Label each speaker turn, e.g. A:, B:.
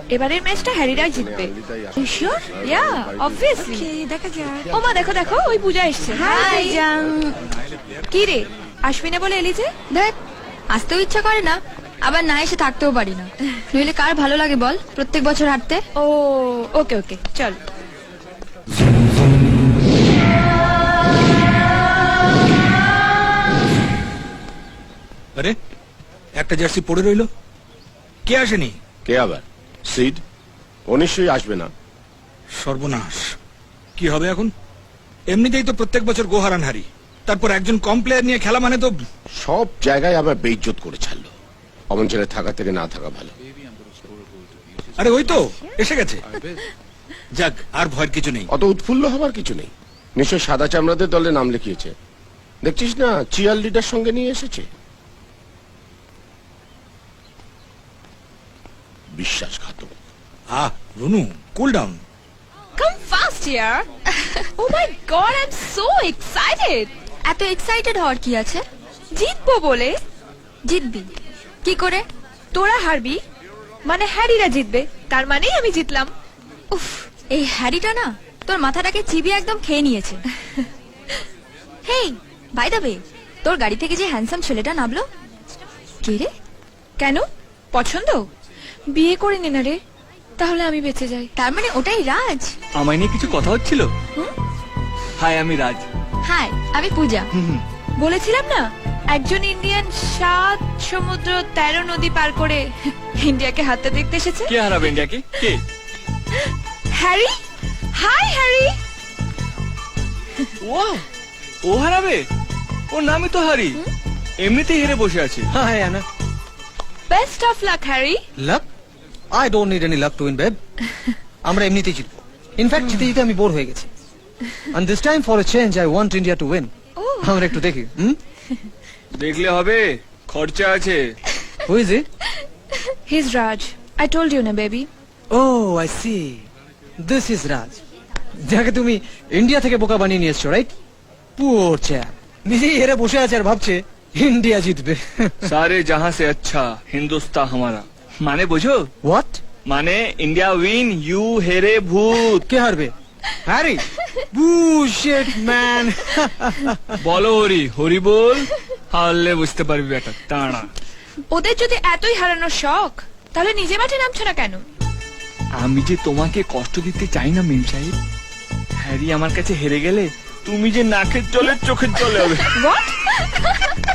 A: এবারের ম্যাচটা হ্যারিরাই জিতবে। শিওর? Yeah, obviously.
B: দেখা যাক।
A: ওমা দেখো দেখো, ওই পূজা এসছে।
B: হাই জান।
A: কি রে, আসবি না বলে এলি যে?
B: দেখ, আসতেও ইচ্ছা করে না, আবার না এসে থাকতেও পারি না। নইলে কার ভালো লাগে বল প্রত্যেক বছর হাঁটতে?
A: ও ওকে ওকে, চল।
C: আরে একটা জার্সি পড়ে রইলো, কে আসেনি?
D: কে আবার? সিড? ও নিশ্চয়ই আসবে না।
C: সর্বনাশ, কি হবে এখন? এমনিতেই তো প্রত্যেক বছর গোহারান হারি, তারপর একজন কম প্লেয়ার নিয়ে খেলা মানে তো।
D: সব জায়গায় আবার বেইজ্জত করে ছাড়লো। অমন ছেলে থাকা থেকে না থাকা ভালো।
C: আরে ওই তো এসে গেছে। যাক, আর ভয়ের কিছু নেই।
D: অত উৎফুল্ল হবার কিছু নেই। নিশ্চয় সাদা চামড়াদের দলে নাম লিখিয়েছে। দেখছিস না, চিয়ার লিডার সঙ্গে নিয়ে এসেছে। বিশ্বাসঘাতক।
C: Runu, cool down.
A: Come fast here. Oh my god, I'm so excited.
B: এত এক্সাইটেড হওয়ার কি আছে?
A: জিতবো বলে।
B: জিতবি কি করে?
A: তোরা হারবি মানে হ্যারিরা জিতবে, তার মানেই আমি জিতলাম।
B: উফ, এই হ্যারিটা না তোর মাথাটাকে চিবিয়ে একদম খেয়ে নিয়েছে। হেই, বাই দ্য ওয়ে, তোর গাড়ি থেকে যে হ্যান্ডসাম ছেলেটা নামলো, কে রে?
A: কেন, পছন্দ? বিয়ে করে নে না রে, তাহলে আমি বেঁচে যাই।
B: তার মানে ওটাই রাজ?
E: আমায় নিয়ে কিছু কথা হচ্ছিল। হাই, আমি রাজ।
B: হাই, আমি পূজা।
A: বলেছিলাম না, একজন ইন্ডিয়ান 7 সমুদ্র 13 নদী পার করে ইন্ডিয়াকে হাতে দেখতে এসেছে।
E: কে হারাবে ইন্ডিয়াকে? কে?
A: হ্যারি। Hi Harry.
E: ও ও হারাবে? ওর নামই তো হারি, এমনিতেই হেরে বসে আছে।
F: Hi, Anna.
A: Best of luck Harry.
F: Luck? I don't need any luck to win, babe. আমরা এমনিতেই জিতবো। ইনফ্যাক্ট জিতে জিতে আমি বোর হয়ে গেছি। And this time for a change I want India to win. আমরা একটু দেখি।
E: দেখলে হবে, খরচা আছে।
F: Who is it?
A: He's Raj. I told you na baby.
F: Oh, I see. This is Raj. যাকে তুমি ইন্ডিয়া থেকে বোকা বানিয়ে নিয়ে এসছো, রাইট? Poor chap. নিজেই হেরে বসে আছে আর ভাবছে ইন্ডিয়া জিতবে।
E: সারে জাহাঁ সে আচ্ছা হিন্দুস্তান হামারা। মানে বোঝো?
F: What?
E: মানে ইন্ডিয়া উইন, ইউ হেরে ভূত।
F: কে হারবে? হ্যারি? Bullshit, man.
E: বলো হরি, হরি বল, হারলে বুঝতে পারবি বেটা তাড়া।
A: ওদের যদি এতই হারানোর শখ, তাহলে নিজে মাঠে নামছো না কেন?
E: আমি যে তোমাকে কষ্ট দিতে চাই না মিম সাহেব। হ্যারি আমার কাছে হেরে গেলে তুমি যে নাকের জলে চোখের জলে হবে।
A: What?